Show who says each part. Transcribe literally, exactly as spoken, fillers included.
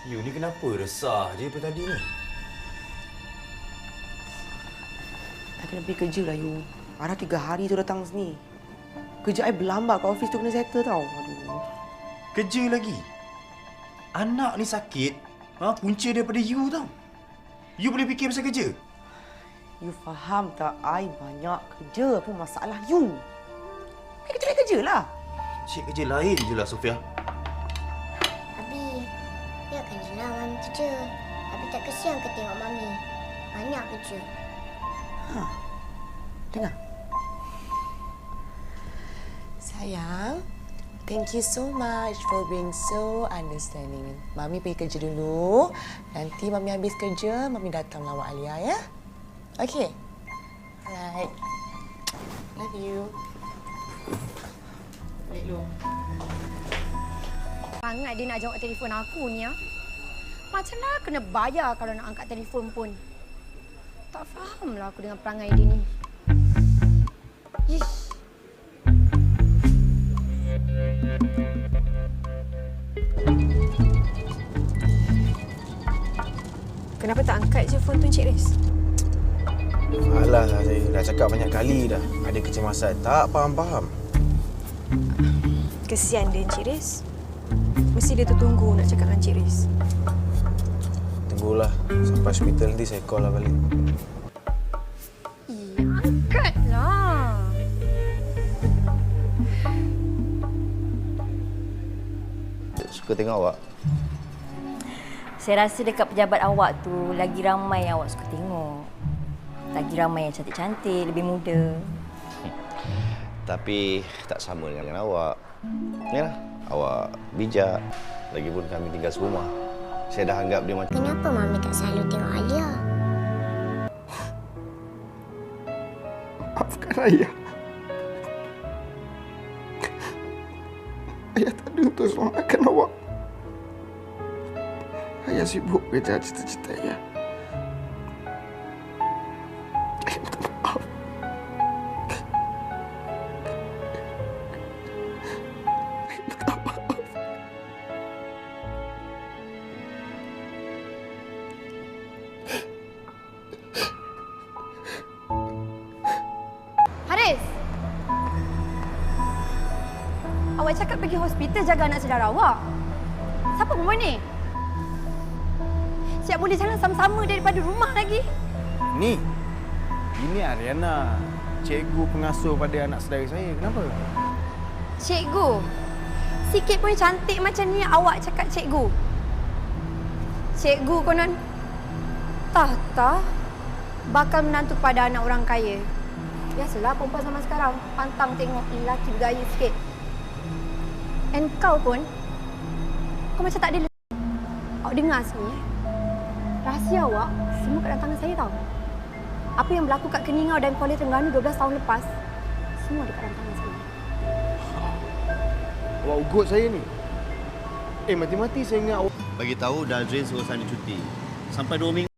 Speaker 1: You ni kenapa resah je daripada tadi ni?
Speaker 2: I kena pergi kerja lah, you. Ada tiga hari tu datang sini. Kerja I berlambat kat office tu kena settle tau. Aduh.
Speaker 1: Kerja lagi? Anak ni sakit, ha, punca daripada you tau. You boleh fikir pasal kerja?
Speaker 2: You faham tak? I banyak kerja. Apa masalah you? I kerja kerja lah.
Speaker 1: Cik kerja lain je lah, Sofia.
Speaker 3: Abi, biarkan je lah Mami kerja. Abi tak kesian ke tengok Mami? Banyak kerja.
Speaker 2: Ha. Dengar. Sayang, thank you so much for being so understanding. Mami pergi kerja dulu. Nanti Mami habis kerja, Mami datang lawak Alia, ya? Okay. Alright. Love you. Balik dulu.
Speaker 4: Sangat dia nak jawab telefon aku ni, ya. Macam mana kena bayar kalau nak angkat telefon pun. Tak fahamlah aku dengan perangai dia ni. Ish. Kenapa tak angkat je phone tu, Encik Riz?
Speaker 5: Alah, saya dah cakap banyak kali dah. Ada kecemasan. Tak faham-faham.
Speaker 4: Kesian dia, Encik Riz. Mesti dia tertunggu nak cakap dengan Encik Riz.
Speaker 5: Tunggulah. Sampai hospital nanti saya call lah balik.
Speaker 4: Ih, angkatlah.
Speaker 6: Suka tengok awak.
Speaker 7: Saya rasa dekat pejabat awak tu lagi ramai yang awak suka tengok. Lagi ramai yang cantik-cantik, lebih muda.
Speaker 6: Tapi tak sama dengan awak. Yalah, awak bijak. Lagipun kami tinggal serumah. Saya dah anggap dia macam...
Speaker 3: Kenapa Mami tak selalu tengok Alia?
Speaker 5: Maafkan ayah. Ayah tak ada untuk selamatkan awak. Ayah sibuk kejar cita-cita ayah. Ayah minta maaf. Ayah minta maaf.
Speaker 4: Haris! Awak cakap pergi hospital jaga anak saudara awak. Siapa perempuan ni? Siap boleh jalan sama-sama daripada rumah lagi.
Speaker 5: Ni, ini Ariana, cikgu pengasuh pada anak saudara saya. Kenapa?
Speaker 4: Cikgu, sikit pun cantik macam ni awak cakap cikgu. Cikgu konon tahta bakal menantu pada anak orang kaya. Biasalah perempuan zaman sekarang pantang tengok lelaki bergaya sikit. And kau pun, kau macam tak ada le- awak dengar semua eh? Rahsia awak semua kat dalam tangan saya tau. Apa yang berlaku kat Keningau dan Kuala Terengganu dua belas tahun lepas, semua dekat dalam tangan saya.
Speaker 5: Awak ugut saya ni. Eh, mati-mati saya ingat awak...
Speaker 6: Bagi tahu Dazrin suruh saya cuti. Sampai dua minggu.